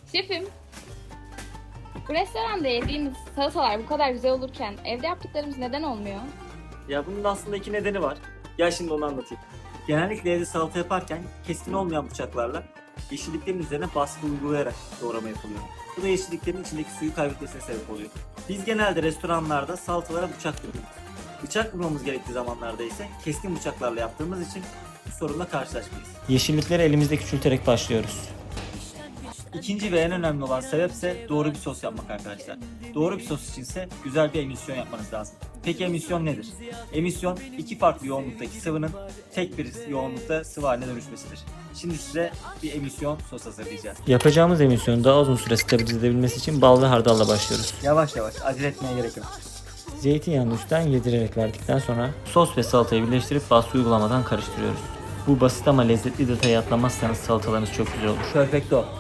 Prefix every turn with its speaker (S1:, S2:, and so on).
S1: Şefim, bu restoranda yediğimiz salatalar bu kadar güzel olurken evde yaptıklarımız neden olmuyor?
S2: Ya bunun aslında iki nedeni var. Gel şimdi onu anlatayım. Genellikle evde salata yaparken keskin olmayan bıçaklarla yeşilliklerin üzerine baskı uygulayarak doğrama yapılıyor. Bu da yeşilliklerin içindeki suyu kaybetmesine sebep oluyor. Biz genelde restoranlarda salatalara bıçak vuruyoruz. Bıçak vurmamız gerektiği zamanlarda ise keskin bıçaklarla yaptığımız için bu sorunla karşılaşmayız.
S3: Yeşillikleri elimizde küçülterek başlıyoruz.
S2: İkinci ve en önemli olan sebepse doğru bir sos yapmak arkadaşlar. Doğru bir sos içinse güzel bir emisyon yapmanız lazım. Peki emisyon nedir? Emisyon iki farklı yoğunluktaki sıvının tek bir yoğunlukta sıvı haline dönüşmesidir. Şimdi size bir emisyon sos hazırlayacağız.
S3: Yapacağımız emisyonu daha uzun süre stabilize edebilmesi için bal ve hardalla başlıyoruz.
S2: Yavaş yavaş, acele etmeye gerek yok.
S3: Zeytinyağını üstten yedirerek verdikten sonra sos ve salatayı birleştirip baskı uygulamadan karıştırıyoruz. Bu basit ama lezzetli detayı atlamazsanız salatalarınız çok güzel olur.
S2: Perfecto.